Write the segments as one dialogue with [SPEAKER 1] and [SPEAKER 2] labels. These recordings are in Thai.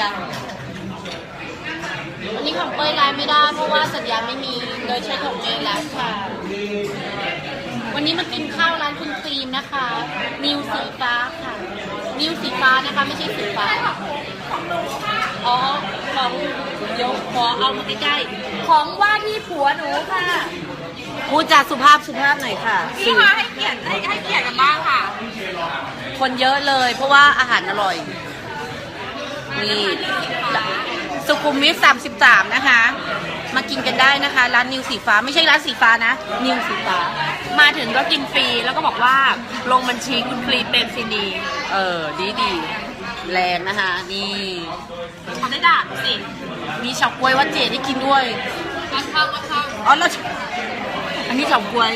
[SPEAKER 1] ยร์อันนี้ของเป้ยไลน์ไม่ได้เพราะว่าสัญญาณไม่มีเลยใช้ของเมย์แล้วค่ะวันนี้มากินข้าวร้านคุณฟิล์มนะคะนิวสีฟ้าค่ะนิวสีฟ้านะคะไม่ใช่สีฟ้าอ๋อของเดี๋ยวขอเอามาใกล้ๆของว่าที่ผัวหนูค่ะพูดจาสุภาพหน่อยค่ะ
[SPEAKER 2] พี่คะให้เกียรติกันบ้างค่ะ
[SPEAKER 1] คนเยอะเลยเพราะว่าอาหารอร่อยนี่สุขุมวิท33นะคะมากินกันได้นะคะร้านนิวสีฟ้าไม่ใช่ร้านสีฟ้านะนิวสีฟ้า
[SPEAKER 2] มาถึงก็กินฟรีแล้วก็บอกว่าลงบัญชีคุณฟรีเป็นซินี
[SPEAKER 1] ดีแรงนะคะนี่
[SPEAKER 2] เขาได้ด่าสิ
[SPEAKER 1] มีเฉาก๊วยวัดเจดให้กินด้วย
[SPEAKER 2] วัดเข้า
[SPEAKER 1] อ๋อแล้วอันนี้เฉาก๊วย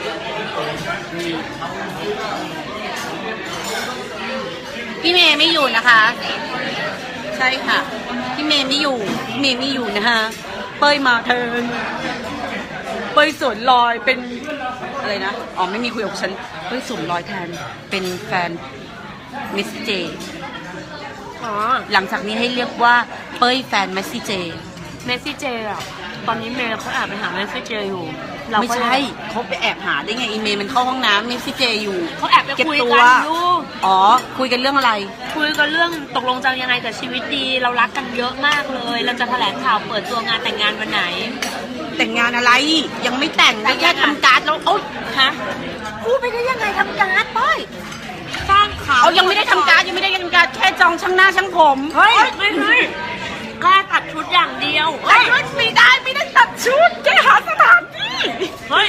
[SPEAKER 1] พี่เมย์ไม่อยู่นะคะใช่ค่ะพี่เมย์ไม่อยู่นะคะเป้ยมาเทินเป้ยสวนลอยเป็นอะไรนะอ๋อไม่มีคุยกับฉันเป้ยสวนลอยแทนเป็นแฟนมิสเจหลังจากนี้ให้เรียกว่าเป้ยแฟนเมสซี่เจ
[SPEAKER 2] อ่ะตอนนี้เมย์เขาแอบไปหาเมสซี่เจอยู่
[SPEAKER 1] ไม่ใช่เขาไปแอบหาได้ไงอีเมย์มันเข้าห้องน้ำเมสซี่เจอยู่
[SPEAKER 2] เขาแอบไปคุยกันอยู่
[SPEAKER 1] อ๋อคุยกันเรื่องอะไร
[SPEAKER 2] คุยกันเรื่องตกลงจะยังไงกับชีวิตดีเรารักกันเยอะมากเลยเราจะแถลงข่าวเปิดตัวงานแต่งงานวันไหน
[SPEAKER 1] แต่งงานอะไรยังไม่แต่งแค่ทำการ์ดแล้วโอ๊ย
[SPEAKER 2] ฮะ
[SPEAKER 1] พูดไปได้ยังไงทำการ์ดป้อย
[SPEAKER 2] สร้างข่าว
[SPEAKER 1] ยังไม่ได้ทำการ์ดแค่จองช่างหน้าช่างผม
[SPEAKER 2] เฮ้ยไม่แค่ตัดชุดอย่างเดียว
[SPEAKER 1] ตัดชุดไม่ได้ตัดชุดแค่หาสถานที่
[SPEAKER 2] เฮ้ย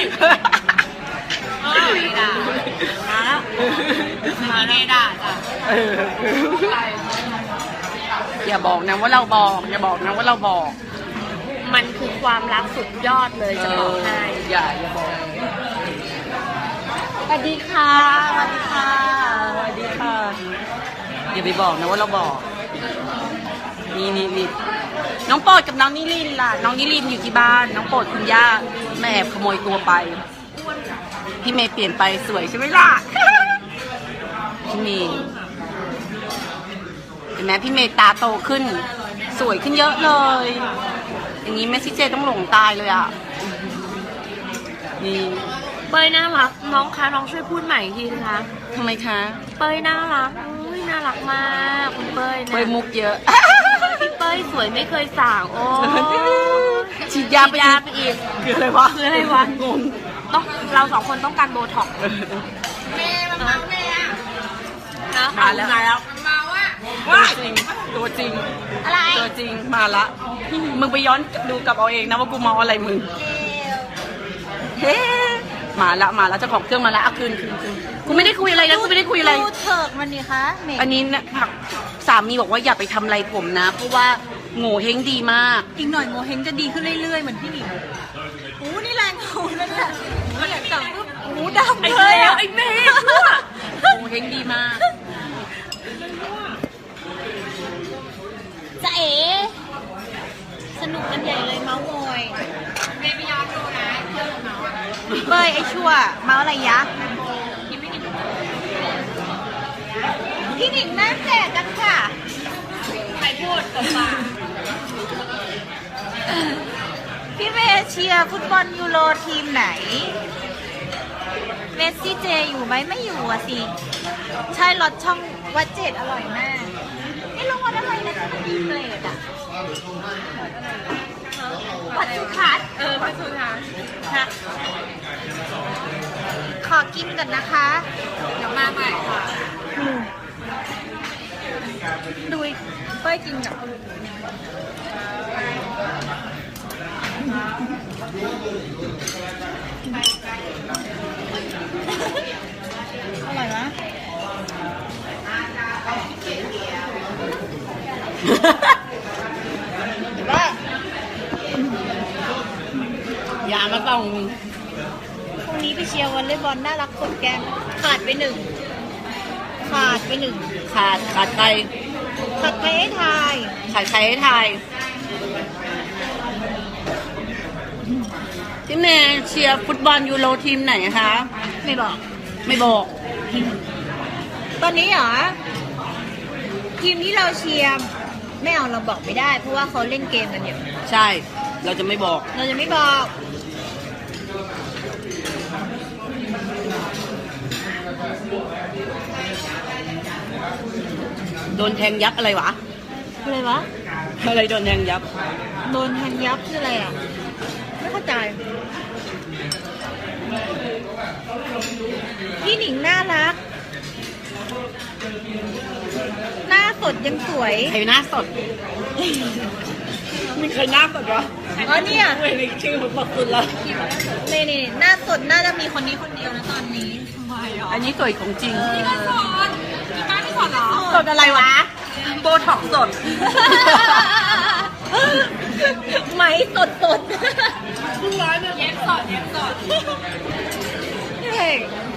[SPEAKER 2] ด่ามาแล้วมาเนด่าจ้ะ
[SPEAKER 1] อย่าบอกนะว่าเราบอก
[SPEAKER 2] มันคือความรักสุดยอดเลยจะบอกให้
[SPEAKER 1] อย่าบอกสวัสดีค่ะอย่าไปบอกนะว่าเราบอกนี่น้องโปรดกับน้องนิลินล่ะน้องนิลินอยู่ที่บ้านน้องโปรดคุณย่าแม่แอบขโมยตัวไปพี่เมย์เปลี่ยนไปสวยใช่ไหมล่ะพี่เมย์เห็นไหมพี่เมย์ตาโตขึ้นสวยขึ้นเยอะเลยอย่างนี้แม่ซิเจต้องหลงตายเลยอ่ะนี่
[SPEAKER 2] เป้ยน่ารักน้องคะน้องช่วยพูดใหม่อีกทีนะคะ
[SPEAKER 1] ทำไมคะ
[SPEAKER 2] เป้ยน่ารักน่ารักมากคุณเป้ยนะ
[SPEAKER 1] เป้ยมุกเยอะ
[SPEAKER 2] พี่เป้ยสวยไม่เคยสางโอ้
[SPEAKER 1] ฉีดยาไปอีกคืออะไรวะงง
[SPEAKER 2] ต้องเราสองคนต้องการโบท็อกเมย์มาเมาเมย์
[SPEAKER 1] มาแล้ว
[SPEAKER 2] มา
[SPEAKER 1] ว่าตัวจริง
[SPEAKER 2] อะไร
[SPEAKER 1] ตัวจริงมาละมึงไปย้อนดูกับเอาเองนะว่ากูเมาอะไรมึงเฮ้มาละเจ้าของเครื่องมาละเอาคืนกูไม่ได้คุยอะไรนะกูไม่ได้คุยอะไร
[SPEAKER 2] ดูเถิกมันนี่คะ
[SPEAKER 1] อันนี้นะสามีบอกว่าอย่าไปทำอะไรผมนะเพราะว่าโง่เฮงดีมาก
[SPEAKER 2] อีกหน่อยโง่เฮงจะดีขึ้นเรื่อยๆเหมือนพี่หนิงโอ้นี่แรงเขาแล้วเนี่ยแต่ปุ๊บโอ้ดำเลยไอ้เมย์
[SPEAKER 1] โง่เฮงดีมาก
[SPEAKER 2] จะเอ๋สนุกกันใหญ่เลยเมาส์มอยเมย์ไปย้อนดูนะ
[SPEAKER 1] เป้ยไอ้ชั่วเมาอะไรยะ
[SPEAKER 2] พี่หนิงนั่งแจกกันค่ะใครพูดกับปาก
[SPEAKER 1] พี่เมย์เชียร์ฟุตบอลยูโรทีมไหน
[SPEAKER 2] เมสซี่เจอยู่ไหมไม่อยู่อ่ะสิใช่รสช่องวัดเจดอร่อยมากนี่ลงวัดอะไรนะมันมีเกรดอ่ะวัดสุทัศน์วัดสุทัศน์ค่ะขอกินก่อนนะคะเดี๋ยวมาใหม่ค่ะดูเป้ยกินกับอร่อยนะ
[SPEAKER 1] อย่ามาต้อง
[SPEAKER 2] พรุ่งนี้ไปเชียร์วอลเลย์บอลน่ารักกดแก้มขาดไปหนึ่ง
[SPEAKER 1] ขาดใคร
[SPEAKER 2] ขาดใครให้ทาย
[SPEAKER 1] ขาดใครให้ทายพี่เมย์เชียร์ฟุตบอลยูโรทีมไหนคะ
[SPEAKER 2] ไม่บอก
[SPEAKER 1] ต
[SPEAKER 2] อนนี้เหรอทีมที่เราเชียร์ไม่เอาเราบอกไม่ได้ เพราะว่าเขาเล่นเกมกันอยู่
[SPEAKER 1] ใช่ เราจะไม่บอก
[SPEAKER 2] เราจะไม่บอก
[SPEAKER 1] โดนแทงยับอะไรวะ
[SPEAKER 2] อะไรวะ
[SPEAKER 1] อะไรโดนแทงยับ
[SPEAKER 2] โดนแทงยับคืออะไรอ่ะ ไม่เข้าใจ พี่หนิงน่ารัก หน้าสดยังสวย
[SPEAKER 1] ใครหน้าสด มีใครหน้าสดวะ
[SPEAKER 2] อ๋อเนี่ย
[SPEAKER 1] ไม่ได้ชื่อมันบอกคุณละ
[SPEAKER 2] นี่หน้าสดน่าจะมีคนนี้คนเดียวนะตอนนี้ทำไมอ่ะ
[SPEAKER 1] อันนี้สวยของจริง
[SPEAKER 2] พี่ก็สดพี่ป้าไม่สดเหรอ
[SPEAKER 1] สดอะไรวะ โบท็อกซ์สด
[SPEAKER 2] ไหมสด
[SPEAKER 1] เย็บสด
[SPEAKER 2] เฮ้ย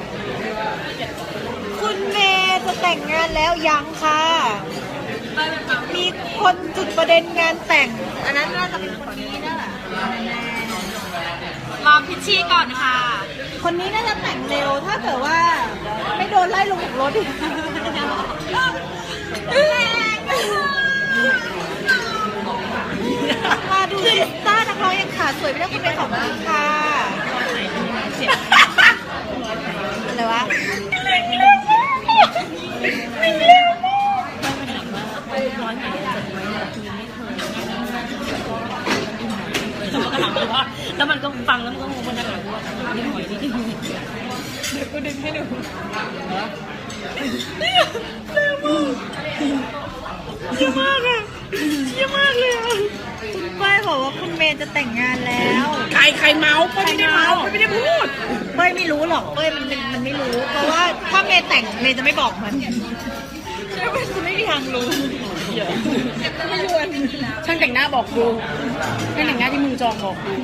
[SPEAKER 2] คุณเมย์จะแต่งงานแล้วยังค่ะ มีคนจุดประเด็นงานแต่ง อันนั้นน่าจะเป็นคนนี้นะรอพิชชี่ก่อนค่ะ คนนี้น่าจะแต่งเร็ว ถ้าเกิดว่าไม่โดนไล่ลงจากรถอีกมาดูซิสต้านักร้องยังขาสวยไม่ได้คุณเป็นของจริงค่ะอะไรวะ
[SPEAKER 1] แล้วมันก็ฟังแล้วมันก็งงมันจะหาว่านี่หอยนี่
[SPEAKER 2] เดี๋ยวกูดึงให้ดูเยี่ยมากอะเยี่ยมากเลยอะคุณป้ายบอกว่าคุณเมย์จะแต่งงานแล้ว
[SPEAKER 1] ใครเมาเป้ยไม่ได้เมาเป้ยไม่ได้พูด
[SPEAKER 2] เป้ยไม่รู้หรอกเป้ยมันไม่รู้ เพราะว่าถ้าเมย์แต่งเมย์จะไม่บอกมันใช่ไหมจะไม่มีทางรู้ไม่ยวน
[SPEAKER 1] ช่างแต่งหน้าบอกกูช่างแต่งหน้าที่มึงจองบอกกู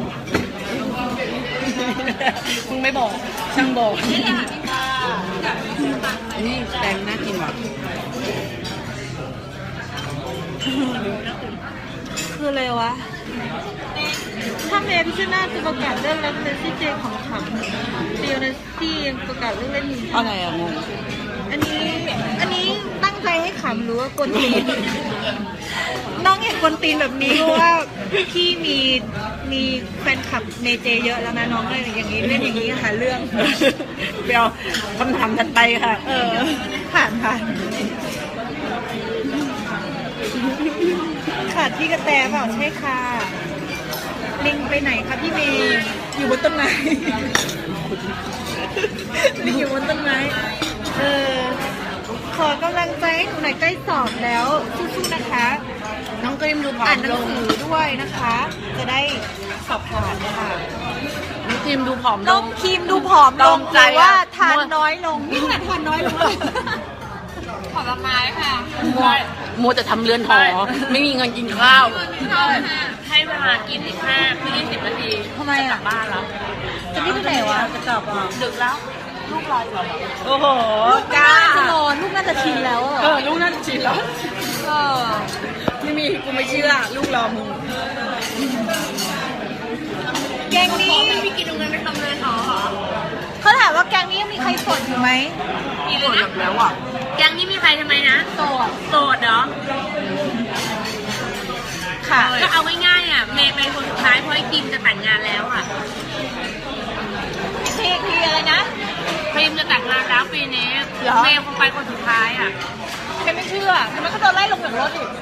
[SPEAKER 1] มึงไม่บอก ช่างบอกนี่แต่งหน้ากินว่ะ
[SPEAKER 2] คืออะไรวะ ถ้าเมย์พิชนาจะประกาศเรื่องเล่นเซซี่เจของขำเดียวนะที่ยังประกาศเรื่องเล่นอยู่
[SPEAKER 1] อะไรอะงง
[SPEAKER 2] อันนี้ตั้งใจให้ขำหรือว่ากวนตีน น้องอยากกวนตีนแบบนี้เพราะว่าพี่มีแฟนคลับเมเจเยอะแล้วนะน้องเลยอย่างนี้เล่นอย่างนี้หาเรื่อง
[SPEAKER 1] ไปเอาคำถามถัดไปค่ะ
[SPEAKER 2] ผ่านขาดพี่กระแตเปล่าใช่ค่ะลิงไปไหนคะพี่เมย์อยู่บนต้นไม้ ลิงอยู่บนต้นไม้ขอกำลังใจให้หนูหน่อยใกล้สอบแล้วสู้ๆนะคะ
[SPEAKER 1] น้องกรีมดูผอ
[SPEAKER 2] อ่าม นหนั
[SPEAKER 1] ล
[SPEAKER 2] ง
[SPEAKER 1] ง
[SPEAKER 2] สือด้วยนะคะ จะได้สอบผ่านค่ะ
[SPEAKER 1] น้องกรีมดูผอมล
[SPEAKER 2] น้อง
[SPEAKER 1] ง
[SPEAKER 2] ครีมดูผอมลง
[SPEAKER 1] ตรงใจ
[SPEAKER 2] หรือว่า
[SPEAKER 1] อะ
[SPEAKER 2] ทานน้อยลงนี่ขนาดทานน้อยลงเลยผลไม้ค่ะ
[SPEAKER 1] มัวแต่ทำเรือนหอ ไม่มีเงินกินข้าว
[SPEAKER 3] ให้เวลากินอีก20 นาที
[SPEAKER 2] ทำไม
[SPEAKER 3] จะกลั
[SPEAKER 2] อ่ะ
[SPEAKER 3] บบ้านแล้ว
[SPEAKER 2] จะรีบไปไหนวะจะกลับอ่ะ
[SPEAKER 3] ดึกแล้ว ลูกรออยู่
[SPEAKER 1] โอ้โห
[SPEAKER 2] ลูกน่าจะนอนลูกน่าจะชินแล้วอ่ะ
[SPEAKER 1] ลูกน่าจะชินแล้ว
[SPEAKER 2] เออ
[SPEAKER 1] ไม่มีกูไม่เชื่อ ลูกรอมึง
[SPEAKER 2] แกงนี้
[SPEAKER 3] พี่กินตรงนั้นไปทำเรือนหอเหรอ
[SPEAKER 2] เขาถามว่าแกงนี้ยังมีใครสดอยู่ไหม
[SPEAKER 3] มีเลยนะ
[SPEAKER 1] แล้วอ่ะ
[SPEAKER 3] ยังนี่มีใครทำไมนะ
[SPEAKER 2] โสด
[SPEAKER 3] โสดเหรอ
[SPEAKER 2] ค่ะ
[SPEAKER 3] ก็เอาง่ายๆอ่ะ เมย์เป็นคนสุดท้ายเพราะไอ้กิมจะแต่งงานแล้วอ่ะ
[SPEAKER 2] ทีอะไรนะ
[SPEAKER 3] พิมจะแต่งงานแล้วปีนี้
[SPEAKER 2] เหรอ
[SPEAKER 3] เมย์คงไปคนสุดท้ายอ่ะ
[SPEAKER 2] ฉันไม่เชื่อแต่มันก็โดนไล่ลงจากรถอีก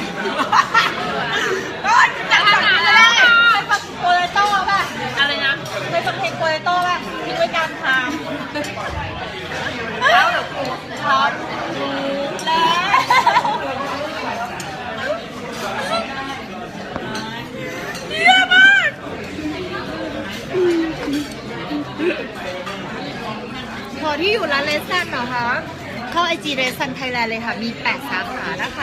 [SPEAKER 2] จะทำงานแล้วไปฟังโปรโต้ป่ะ
[SPEAKER 3] อะไรนะ
[SPEAKER 2] ไปฟังเพลงโปรโต้ป่ะทิ้งไว้กลางทางแล้วเดี๋ยวกูช็อตแล้วเยี่ยมมากพอที่อยู่ร้านเลสันเหรอคะ เข้าไอจีเรซันไทยแลนด์เลยค่ะ มี 8 สาขานะคะ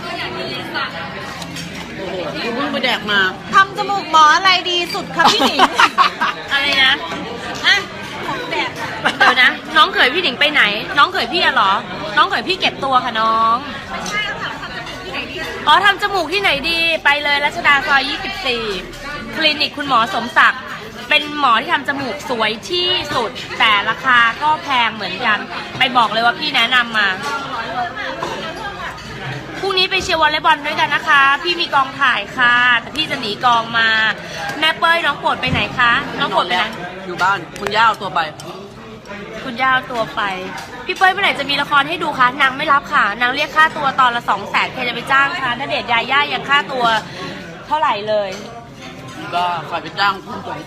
[SPEAKER 1] โอ้โหกูเพิ่งไปแดกมา
[SPEAKER 2] ทำจมูกหมออะไรดีสุดคะพี่หนิง
[SPEAKER 3] อะไรนะ
[SPEAKER 2] อ่ะของแบบ
[SPEAKER 3] เดี๋ยวนะ น้องเขยพี่หนิงไปไหน น้องเขยพี่อะเหรอ น้องเขยพี่เก็บตัวค่ะน้อง
[SPEAKER 2] ใช่แล้วค่ะทำจมูกที่ไหนดี
[SPEAKER 3] อ๋อทำจมูกที่ไหนดีไปเลยรัชดาซอย 24 คลินิกคุณหมอสมศักดิ์เป็นหมอที่ทำจมูกสวยที่สุด แต่ราคาก็แพงเหมือนกัน ไปบอกเลยว่าพี่แนะนำมา ผู้รุ่งนี้ไปเชียร์วอลเลย์บอลด้วยกันนะคะ พี่มีกองถ่ายค่ะ แต่พี่จะหนีกองมา แม่เป้ยน้องโปรดไปไหนคะ น้องโปรดไปไหน
[SPEAKER 1] อยู่บ้านคุณย่าเอาตัวไป
[SPEAKER 3] คุณย่าเอาตัวไป พี่เป้ยเมื่อไหร่จะมีละครให้ดูคะนางไม่รับค่ะ นางเรียกค่าตัวตอนละ200,000ใครจะไปจ้างคะณเดชน์ยาย่ายังค่าตัวเท่าไหร่เลย
[SPEAKER 1] ก็ใครไปจ้างคุณ200,000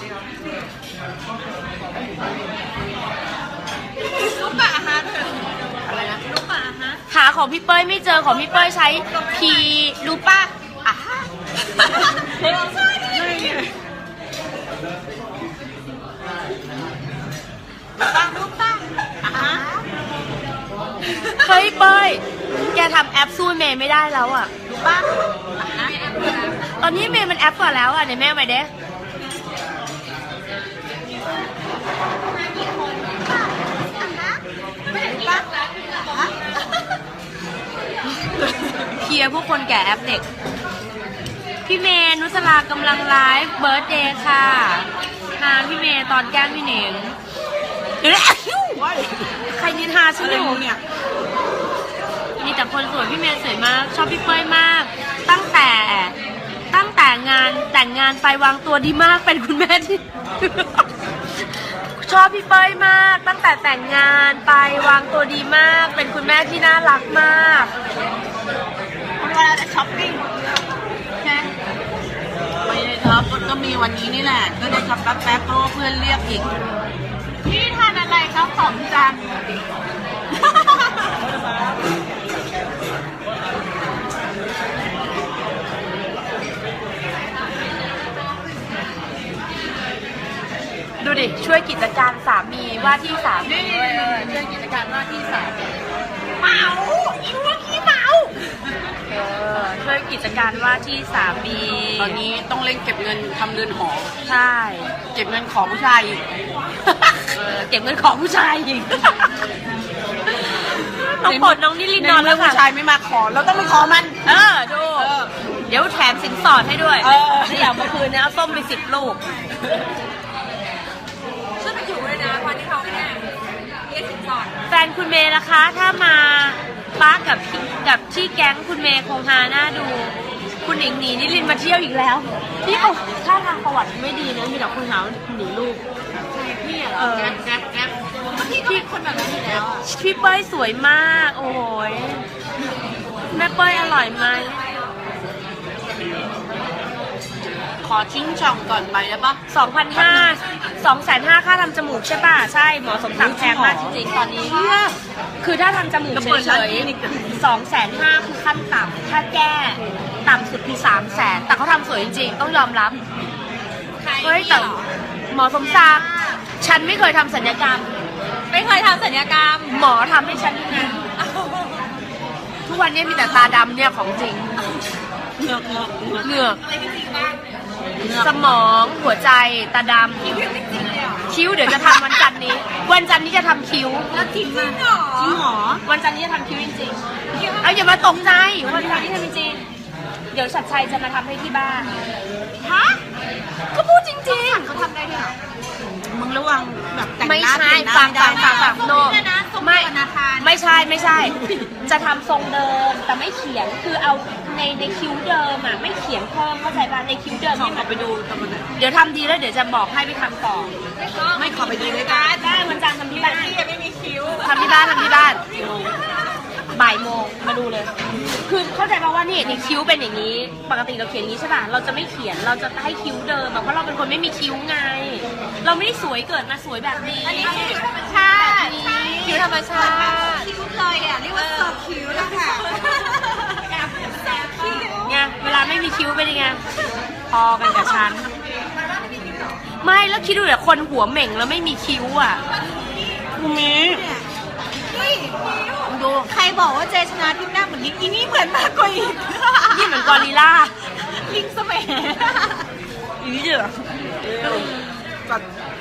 [SPEAKER 2] ลูกปะอาหารอะไรนะลูกปะอาหาร
[SPEAKER 3] หาของพี่เป้ยไม่เจอของพี่เป้ยใช้พีรู้ป่ะอ่ะ
[SPEAKER 2] ลูกปะอาหาร
[SPEAKER 3] เฮ้ยเป้ยแกทำแอปสู้เมย์ไม่ได้แล้วอ่ะ
[SPEAKER 2] ลูกปะอาหาร
[SPEAKER 3] ตอนนี้เมย์มันแอปกว่าแล้วอ่ะเดี๋ยวแม่เอาไปเด้เคลียร์พวกคนแก่แอปเด็ก พี่เมย์นุสลากำลังไลฟ์เบิร์ธเดย์ค่ะทานพี่เมย์ตอนแกล้งพี่เหน่งเดี๋ยวนะใครนินทาฉันอยู่เนี่ยมีแต่คนสวยพี่เมย์สวยมาก ชอบพี่เป้ยมาก ตั้งแต่งานแต่งงานไปวางตัวดีมากเป็นคุณแม่ที่ ชอบพี่เป้ยมาก ตั้งแต่แต่งงานไปวางตัวดีมาก เป็นคุณแม่ที่น่ารักมาก
[SPEAKER 2] เวลาจะช้อปปิ้งนะ
[SPEAKER 1] ไม่ได้ครับก็มีวันนี้นี่แหละ ก็ได้ช็อปแป๊บๆเพราะว่าเพื่อนเรียกอีก
[SPEAKER 2] พี่ทานอะไรครับของจัน
[SPEAKER 3] ดูดิ ช่วยกิจการสามีว่าที่สามีช่วยกิจการว่าที่สามี
[SPEAKER 2] เมาอีพวกขี้เมา
[SPEAKER 3] ช่วยกิจการว่าที่สามี
[SPEAKER 1] ตอนนี้ต้องเร่งเก็บเงินทำเรือนหอ
[SPEAKER 3] ใช่
[SPEAKER 1] เก็บเงินของผู้ชายอีก
[SPEAKER 3] เก็บเงินของผู้ชายอีกน้องปลดน้องนิลินนอนแล้ว
[SPEAKER 1] ผู้
[SPEAKER 3] ค่ะ
[SPEAKER 1] ชายไม่มาขอเราต้องไปขอมัน
[SPEAKER 3] ดู เดี๋ยวแถมสินสอดให้ด้วย
[SPEAKER 1] เออ
[SPEAKER 3] ถ้าอยากมาคืนเนี่ยเอาส้มไป10 ลูก
[SPEAKER 2] ช่วยไปอยู่เลยนะวันที่เขาเนี่ยเรียกสินสอด
[SPEAKER 3] แฟนคุณเมย์ล่ะคะ ถ้ามาป้ากับที่แก๊งคุณเมย์คงฮาหน้าดู คุณหนิงหนีนิลินมาเที่ยวอีกแล้วพี่เขาถ้าทางประวัติไม่ดีนะมีแต่คนหาว่าหนีลูก
[SPEAKER 2] พี่เหรอแก๊ปพี่คนแบบนั้นอยู่แล้วอ่ะ
[SPEAKER 3] พี่เป้ยสวยมาก โอ้ยแม่เป้ยอร่อยไหม
[SPEAKER 1] ขอชิ้งช่องก่อนไปได้ปะ
[SPEAKER 3] 2,500 ค่าทำจมูกใช่ป่ะ ใช่ หมอสมศักดิ์แพงมากจริงๆ ตอนนี้ คือถ้าทำจมูกเฉยๆ250,000คือขั้นต่ำถ้าแก้ต่ำสุดคือ300,000แต่เขาทำสวยจริงๆ ต้องยอมรับ เฮ้ยแต่หมอสมศักดิ์ฉันไม่เคยทำศัลยกรรม
[SPEAKER 2] ไม่เคยทำศัลยกรรม
[SPEAKER 3] หมอทำให้ฉันนะทุกวันนี้มีแต่ตาดำเนี่ยของจริง
[SPEAKER 1] เงือก
[SPEAKER 3] เหงือก
[SPEAKER 2] อะไรจริงๆบ้าง
[SPEAKER 3] สมองหัวใจตาดำ
[SPEAKER 2] จริงๆเลยอ่ะ
[SPEAKER 3] คิ้วเดี๋ยวจะทำวันจันทร์นี้ วันจันทร์นี้จะทำคิ้ว
[SPEAKER 2] แล้วจริงเหรอ
[SPEAKER 1] จริงเหรอ
[SPEAKER 3] วันจันทร์นี้จะทำคิ้วจริงๆเอาอย่ามาตกใจวันจันทร์นี้ทำจริงๆเดี๋ยวชัดชัยจะมาทำให้ที่บ้าน
[SPEAKER 2] ฮะ
[SPEAKER 3] ก็พูดจริง
[SPEAKER 2] เขาทำได้ด้วยเหรอ
[SPEAKER 1] มึงระวังแบบแต่ง
[SPEAKER 3] ๆ ไม่
[SPEAKER 1] หน้า
[SPEAKER 3] ใช่
[SPEAKER 1] แต่งหน้า
[SPEAKER 3] ฟัง
[SPEAKER 1] ไม่ได้
[SPEAKER 3] โน
[SPEAKER 2] ไม่ได้นะทรง
[SPEAKER 3] ไม่
[SPEAKER 2] เดียวกับนาธาน
[SPEAKER 3] ไม่ใช่ จะทำทรงเดิมแต่ไม่เขียนคือเอาในคิ้วเดิมอ่ะไม่เขียนเพิ่มเข้าใจป่ะในคิ้วเดิม
[SPEAKER 1] ขอ
[SPEAKER 3] นี่
[SPEAKER 1] ขอไปดูทำมัน
[SPEAKER 3] เดี๋ยวทำดีแล้วเดี๋ยวจะบอกให้ไปทำต่อ
[SPEAKER 1] ไม่ขอไปดูด้วยกัน
[SPEAKER 3] ได้วันจันทร์ทำที่บ้าน
[SPEAKER 2] พี่ยังไม่มีคิ้ว
[SPEAKER 3] ทำที่บ้านบ่ายโมงมาดูเลย คือเข้าใจป่าว่านี่คิ้วเป็นอย่างนี้ ปกติเราเขียนอย่างนี้ใช่ป่ะ เราจะไม่เขียน เราจะให้คิ้วเดิมอะเพราะเราเป็นคนไม่มีคิ้วไง เราไม่ได้สวยเกิดมาสวยแบบนี้
[SPEAKER 2] อันนี้คิ้วธรรมชาติคิ้วธรรมชาติคิ้วเลยอ่ะเรียกว่าเซิร์ฟคิ้วแล้วค่ะแอบแซมคิ้ว
[SPEAKER 3] ไงเวลาไม่มีคิ้วเป็นยังไง พอกันกับฉัน ไม่แล้วคิดดูเดี๋ยวคนหัวเหม่งแล้วไม่มีคิ้วอ่ะ
[SPEAKER 1] กูมี
[SPEAKER 2] นี่ดูใครบอกว่าเจชนะทิพย์หน้าเหมือนลิงอีนี่เหมือนมากกว่าอีก
[SPEAKER 3] นี่เหมือนกอริลลา
[SPEAKER 2] ลิงสมัย
[SPEAKER 1] อีนี่เหรอจัด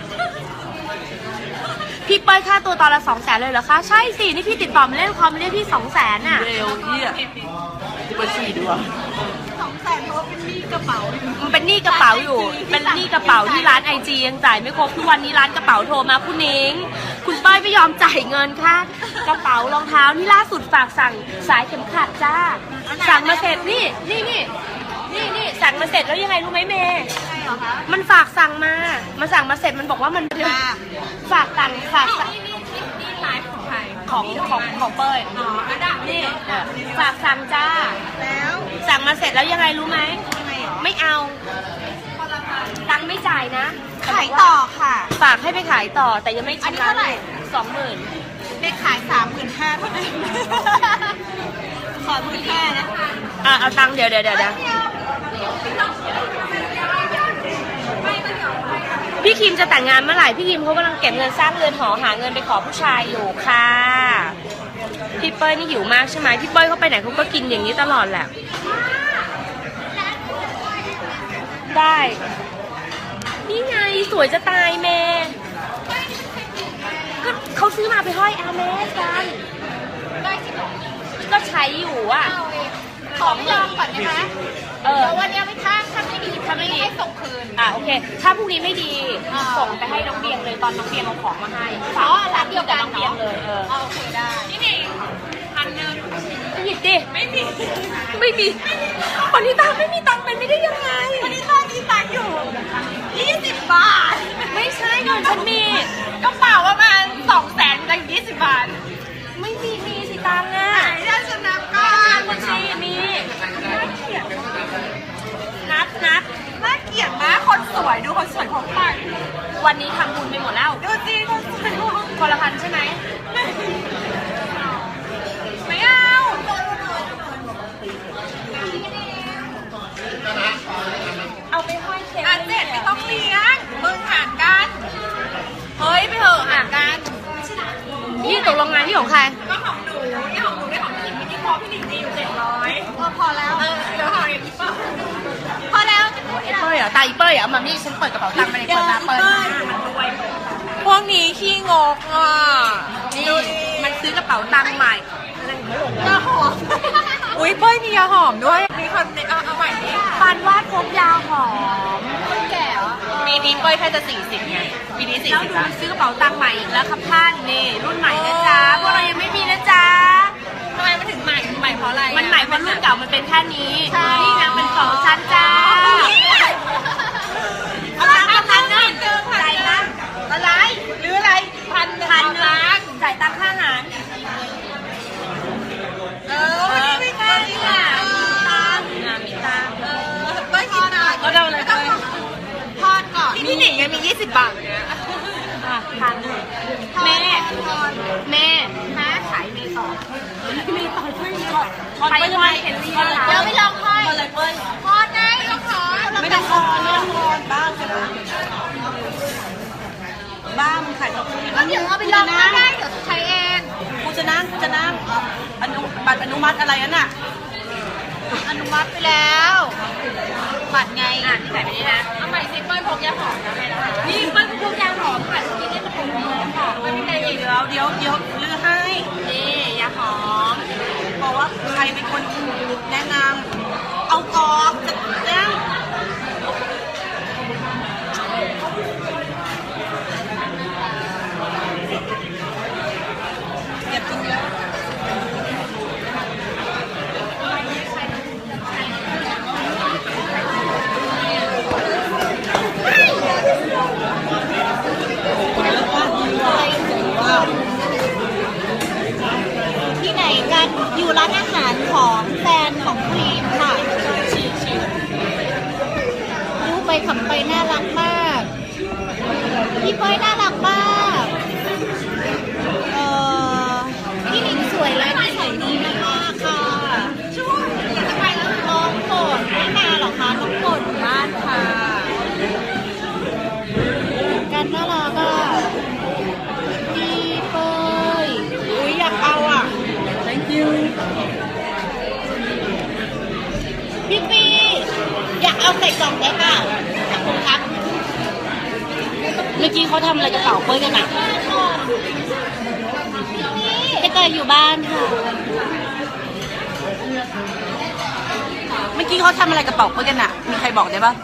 [SPEAKER 3] พี่เป้ยค่าตัวตอนละ200,000เลยเหรอคะ ใช่สิ นี่พี่ติดต่อมาเล่นคอมเรียกพี่200,000น่ะ
[SPEAKER 1] เร็วเยี่ยกูไปฉี่ดีกว่า
[SPEAKER 2] 200,000เพราะว่าเป็นหนี้กระเป๋า
[SPEAKER 3] มันเป็นหนี้กระเป๋าอยู่ เป็นหนี้กระเป๋าที่ร้านไอจียังจ่ายไม่ครบทุกวันนี้ร้านกระเป๋าโทรมาคุณนิ้งคุณเป้ยไม่ยอมจ่ายเงินค่ะกระเป๋ารองเท้านี่ล่าสุดฝากสั่งสายเข็มขัดจ้า สั่งมาเสร็จนี่สั่งมาเสร็จแล้วยังไงรู้ไหมเมย์
[SPEAKER 2] ใช่เหรอคะ
[SPEAKER 3] มันฝากสั่งมาสั่งมาเสร็จมันบอกว่ามันฝากสั่ง
[SPEAKER 2] นี่ไลฟ์ของใคร
[SPEAKER 3] ของเป้ย
[SPEAKER 2] อ๋ออันดับ
[SPEAKER 3] นี่ฝากสั่งจ้า
[SPEAKER 2] แล้ว
[SPEAKER 3] สั่งมาเสร็จแล้วยังไงรู้ไหม
[SPEAKER 2] ยังไงเหรอ
[SPEAKER 3] ไม่เอาตังค์ไม่จ่ายนะ
[SPEAKER 2] ขายต่อค่ะ
[SPEAKER 3] ฝากให้ไปขายต่อแต่ยังไม่
[SPEAKER 2] อันนี้
[SPEAKER 3] ชำระ
[SPEAKER 2] เท่าไหร่
[SPEAKER 3] 20,000
[SPEAKER 2] เด็กขาย 35,000เท่านั้นขอ15,000นะคะ
[SPEAKER 3] เอาตังค์เดี๋ยวพี่คิมจะแต่งงานเมื่อไหร่พี่คิมเขากำลังเก็บเงินสร้างเรือนหอหาเงินไปขอผู้ชายอยู่ค่ะพี่เป้ยนี่หิวมากใช่ไหมพี่เป้ยเขาไปไหนเขาก็กินอย่างนี้ตลอดแหละได้นี่ไงสวยจะตายเมย์ก็เขาซื้อมาไปห้อยแอร์เมสกันก็ใช้อยู่อ่ะ
[SPEAKER 2] ของลองก่อนนะคะ
[SPEAKER 3] เดี๋
[SPEAKER 2] แล้ววันนี้ไม่ถ้าไม่ดีให้ส่งคืน
[SPEAKER 3] โอเคถ้าพรุ่งนี้ไม่ดี
[SPEAKER 2] อ่า
[SPEAKER 3] ส่งไปให้น้องเบียงเลยตอนน้องเบียงเอาของมาให้
[SPEAKER 2] อ๋อร้านเดียวกัน
[SPEAKER 3] น้องเบียงเลย
[SPEAKER 2] โอเคได้นี่นี่1,000
[SPEAKER 3] หยิบดิไม่มีวันนี้ตังค์ไม่มีตังค์เป็นไม่ได้ยังไง
[SPEAKER 2] วันนี้ตอนนี้ตังค์อยู่20 บาท
[SPEAKER 3] ไม่ใช่เงินฉันมี
[SPEAKER 2] กระเป๋าประมาณ200,000ตังค์20 บาท
[SPEAKER 3] ไม่มีสิตังค์อ่ะ
[SPEAKER 2] ถ้าชนะก่อน
[SPEAKER 3] บัญชีมี นัด
[SPEAKER 2] น่าเกลียดมากคนสวยดูคนสวยของใคร
[SPEAKER 3] วันนี้ทำบุญไปหมดแล้ว
[SPEAKER 2] ดูสิคนสวยของ
[SPEAKER 3] คนละพันใช่ไหม
[SPEAKER 2] ไม่เอา
[SPEAKER 3] เอาไปห้อยเค้ก
[SPEAKER 2] อันเจ็ดไม่ต้องเลี้ยงมึงหารกันเฮ้ยไปเถอะหารกัน
[SPEAKER 3] นี่ตกลงงานที่ของใคร
[SPEAKER 2] ก็ของหนูนี่ของหนูได้ของพี่หนิงพี่พอพี่หนิงดีอยู่700พอแล้วเดี๋ยวของอีกพอแล้ว
[SPEAKER 3] ไอ้เป้ยเหรอตาอีเป้ยเหรอมานี่ฉันเปิดกระเป๋าตังค์มาเลยเปิดมามันรวย
[SPEAKER 2] พวกนี้ขี้งกอ่ะ
[SPEAKER 3] นี่มันซื้อกระเป๋าตังค์ใหม่
[SPEAKER 2] ยาหอมอุ้ยเป้ยมียาหอมด้วยมีคนเอาใหม่ดิ
[SPEAKER 3] ปานวาดพกยาหอม
[SPEAKER 2] คนแก่เหรอปีนี้เป้ยแค่จะ40ไงปีนี้
[SPEAKER 3] แล้ว
[SPEAKER 2] 40
[SPEAKER 3] ดู
[SPEAKER 2] แล้ว
[SPEAKER 3] ซื้อกระเป๋าตังค์ใหม่อีกแล้วครับท่านนี่รุ่นใหม่นะจ๊ะพวกเรายังไม่มีนะจ๊ะ
[SPEAKER 2] ทำไมมันถึงใหม่เพราะอะไร
[SPEAKER 3] มันใหม่เพราะรุ่นเก่ามันเป็นแค่นี้
[SPEAKER 2] ใช่
[SPEAKER 3] นี่นางเป็นของฉันจ้า
[SPEAKER 2] เอาตังค์พันหนึ่งจ่ายตังค์อะไรหรืออะไรพัน
[SPEAKER 3] จ่ายตังค่าอาหาร
[SPEAKER 2] วันนี้ไม่กล้าดีกว่า
[SPEAKER 3] มีตังค์
[SPEAKER 2] เป้ยกินหน่อย
[SPEAKER 3] ก็ได้เลยเป้ย
[SPEAKER 2] ทอดก่อนที่พี่หนิงยังมี20 บาทเนี่ย
[SPEAKER 3] พันแม่
[SPEAKER 2] ขายเมย์ต่อ
[SPEAKER 3] มีต่อช่วยมีต่อไปทำไมเห็นเรียน
[SPEAKER 2] เดี๋ยวไม่ลองทอด
[SPEAKER 3] อะไรเป้ย
[SPEAKER 2] ทอดได้ลองทอด
[SPEAKER 1] ไม่ต้องทอนบ้างใช่ไหมบ้างขายกับคุณ
[SPEAKER 2] แล้วเดี๋ยวเอาไปลองทอดได้เดี๋ยวใช้เอง
[SPEAKER 1] กูจะนั่งบัตรอนุมัติอะไรนั่นน่ะ
[SPEAKER 2] อนุมัติไปแล้วบัตรไง
[SPEAKER 3] ที่ไหนไปนี่นะ
[SPEAKER 2] เอาใหม่สิเป้ยพกยาหอมนะแม่นะคะ
[SPEAKER 3] นี่มันพวกยาหอมค่ะที่นี่มันเป็นค่ะ
[SPEAKER 1] มันไม่ได้เดี๋ยวลือให้
[SPEAKER 3] นี่ยาหอม
[SPEAKER 1] บอกว่าใครเป็นคนแนะนำเอาออกจะแล้วอย่ากินเยอะ
[SPEAKER 2] ที่ไหนกันอยู่ร้านอาหารของแฟนของครีมค่ะดูไปขับไปน่ารักมากพี่เป้ยน่ารักมากพี่หนิงสวยและนิสัยดีมากๆค่ะช่วยอยากจะไปแล้วน้องโปรดไม่มาหรอคะน้องโปรดอยู่บ้านค่ะกันน่ารักอ่ะพี่เป้ยอุ้ยอยากเอาอ่ะ
[SPEAKER 1] thank you
[SPEAKER 2] พี่ปีอยากเอาใส่กล่องได้เปล่าขอบคุณครับ
[SPEAKER 3] เมื่อกี้เขาทำอะไรกระเป๋าเป้ยกันอ่ะ
[SPEAKER 2] พี่เตยอยู่บ้านค่ะ
[SPEAKER 1] เมื่อกี้เขาทำอะไรกระเป๋าเพื่อนกันอะมีใครบอกได้ปะ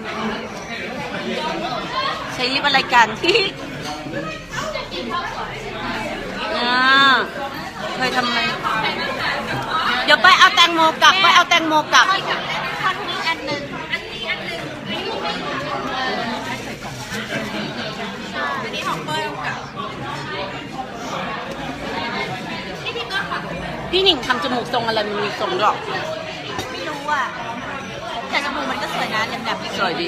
[SPEAKER 1] ใช้ลิปอะไรกันที่เคยทำไหมเดี๋ยวไปเอาแตงโมกลับไปเอาแตงโมกลับ
[SPEAKER 2] ทอดนี้อันหนึ่งอันนี้ของเปิ้ลกับ
[SPEAKER 1] พี่หนิงทำจมูกทรงอะไรมันมีทรงหรอก
[SPEAKER 2] ไม่รู้อ่ะแต่จมูกมันก็สวยนะแหลมๆ
[SPEAKER 1] สวยดี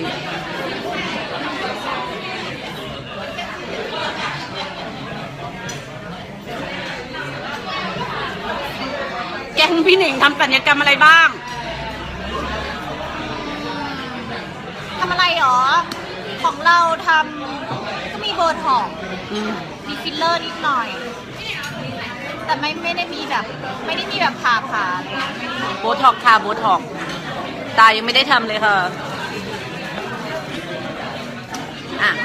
[SPEAKER 1] แกงพี่หนิงทำศัลยกรรมอะไรบ้าง
[SPEAKER 2] ทำอะไรหรอ ของเราทำก็มีโบท็อกซ์มีฟิลเลอร์นิดหน่อย แต่ไม่ได้มีแบบผ่าเลย
[SPEAKER 1] โบท็อกค่ะโบท็อกตายังไม่ได้ทำเลยค่ะ อ่ะ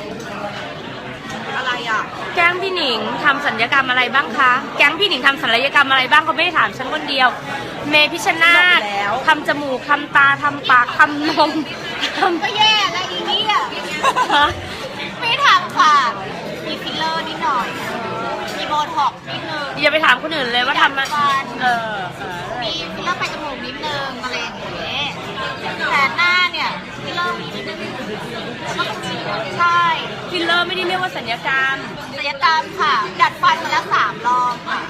[SPEAKER 2] อะไรอ่ะ
[SPEAKER 3] แก๊งพี่หนิงทำศัลยกรรมอะไรบ้างคะ แก๊งพี่หนิงทำศัลยกรรมอะไรบ้างเขาไม่ได้ถามฉันคนเดียว เมพิชชนาธิ์
[SPEAKER 1] บอกแล้ว
[SPEAKER 3] ทำจมูกทำตาทำปากทำนมทำ
[SPEAKER 2] ก็แย่แล้วอีนี่อ่ะไม่ทำค่ะ มีฟิลเลอร์นิดหน่อย มีโบท็อกซ์นิดนึง
[SPEAKER 3] อย่าไปถามคนอื่นเลยว่าทำมา
[SPEAKER 2] ฟัน
[SPEAKER 3] เออ
[SPEAKER 2] มีฟิลเลอร์ไปจมูกนิดนึงอะไรอย่างเงี้ยแต่หน้าเนี่ยฟิลเลอร์มีนิดนึงใช่
[SPEAKER 3] ฟิลเลอร์ไม่ได้เรียกว่าศัลยกรรม
[SPEAKER 2] ศัลยกรรมค่ะ ดัดฟันมาแล้ว3 รอบค่ะ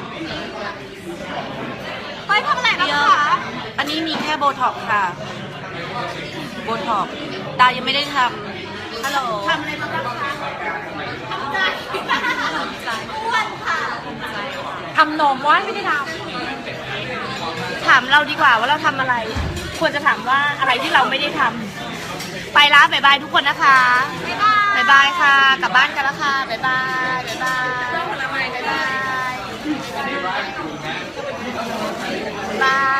[SPEAKER 2] ไปทำอะไรบ้างคะ
[SPEAKER 1] อันนี้มีแค่โบท็อกค่ะ โบท็อกตายังไม่ได้ทำฮัลโหล
[SPEAKER 2] ทำอะไรบ้างคะทำใจอ้วนค่ะ
[SPEAKER 3] ทำนมว่าไม่ได้ทำถามเราดีกว่าว่าเราทำอะไร ควรจะถามว่าอะไรที่เราไม่ได้ทำไปละบ๊ายบายทุกคนนะคะ
[SPEAKER 2] บ๊ายบาย
[SPEAKER 3] บ๊ายบายค่ะ กลับบ้านกันแล้วค่ะบ๊ายบายบ๊ายบายบ๊ายบายบ๊ายบาย